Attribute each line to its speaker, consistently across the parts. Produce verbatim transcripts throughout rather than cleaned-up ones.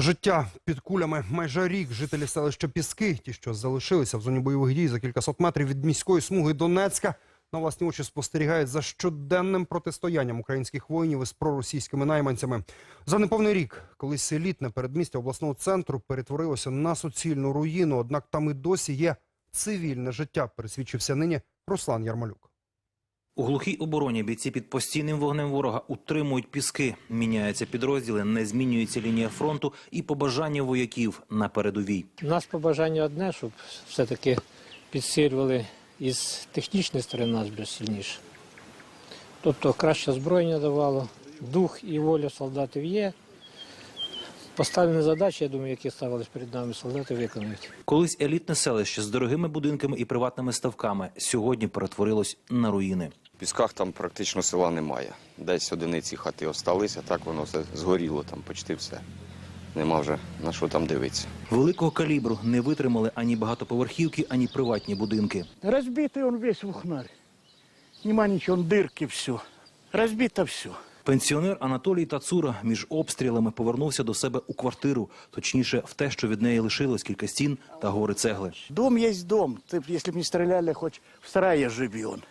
Speaker 1: Життя під кулями. Майже рік жителі селища Піски, ті, що залишилися в зоні бойових дій за кількасот метрів від міської смуги Донецька, на власні очі спостерігають за щоденним протистоянням українських воїнів із проросійськими найманцями. За неповний рік колись елітне передмістя обласного центру перетворилося на суцільну руїну, однак там і досі є цивільне життя, пересвідчився нині Руслан Ярмолюк.
Speaker 2: У глухій обороні бійці під постійним вогнем ворога утримують Піски. Міняються підрозділи, не змінюється лінія фронту і побажання вояків на передовій.
Speaker 3: У нас побажання одне, щоб все-таки підсилювали із технічної сторони нас більш сильніше. Тобто краще озброєння давало, дух і воля солдатів є. Поставлені задачі, я думаю, які ставились перед нами, солдати виконують.
Speaker 2: Колись елітне селище з дорогими будинками і приватними ставками сьогодні перетворилось на руїни.
Speaker 4: В Пісках там практично села немає. Десь одиниці хати осталися, так воно все згоріло, там почти все. Нема вже на що там дивитися.
Speaker 2: Великого калібру не витримали ані багатоповерхівки, ані приватні будинки.
Speaker 5: Разбитый он весь в ухнарь. Нема ничего, он дырки, все. Разбито все.
Speaker 2: Пенсіонер Анатолій Тацура між обстрілами повернувся до себе у квартиру, точніше в те, що від неї лишилось кілька стін та гори цегли.
Speaker 5: Дом есть дом. Ты, если бы не стреляли, хоть в сарае живи он.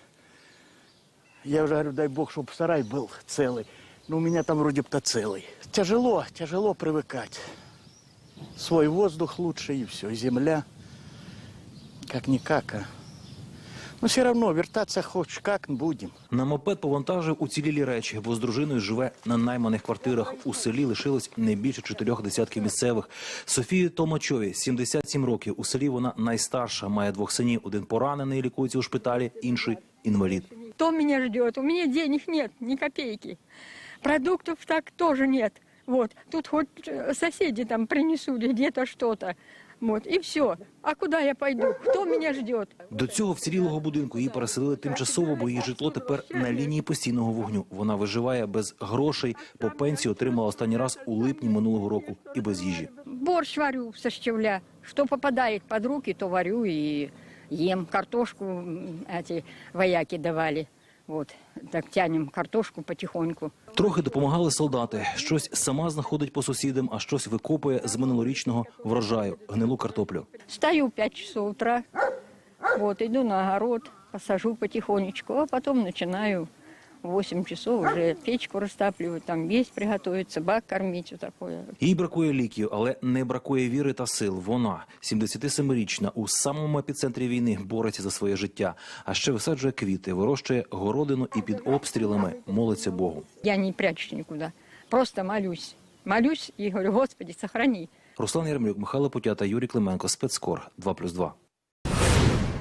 Speaker 5: Я уже говорю, дай бог, чтобы сарай был целый. Но у меня там вроде бы-то целый. Тяжело, тяжело привыкать. Свой воздух лучше и все, и земля. Как-никак, а. Но все равно вертаться хоть как будем.
Speaker 2: На мопед повантажив уцілілі речі, бо з дружиною живе на найманих квартирах. У селі лишилось не більше чотирьох десятків місцевих. Софії Толмачові сімдесят сім років. У селі вона найстарша, має двох синів. Один поранений, лікується у шпиталі, інший інвалід.
Speaker 6: Кто меня ждет? У меня денег нет, ни копейки. Продуктов так тоже нет. Вот. Тут хоть соседи там принесут где-то что-то. Вот. И все. А куда я пойду? Кто меня ждет?
Speaker 2: До цього вцілілого будинку її переселили тимчасово, бо її житло тепер на лінії постійного вогню. Вона виживає без грошей, по пенсію отримала останній раз у липні минулого року і без їжі.
Speaker 6: Борщ варю со щавля. Что попадает под руки, то варю и ем. Картошку м, эти вояки давали. Вот. Так тянем картошку потихоньку.
Speaker 2: Трохи допомагали солдати. Щось сама знаходить по сусідам, а щось викопує з минулорічного врожаю – гнилу картоплю.
Speaker 6: Встаю в пять часов утра, вот, иду на огород, посажу потихонечку, а потом начинаю в восемь часов уже печку растапливать, там есть приготовить, собак кормить, вот такое.
Speaker 2: Їй бракує ліків, але не бракує віри та сил. Вона, сімдесятисемирічна, у самому епіцентрі війни бореться за своє життя. А ще висаджує квіти, вирощує городину і під обстрілами молиться Богу.
Speaker 6: Я не прячусь никуда, просто молюсь. Молюсь и говорю, Господи, сохрани.
Speaker 2: Руслан Ярмолюк, Михайло Путята, Юрій Клименко, Спецкор, два плюс два.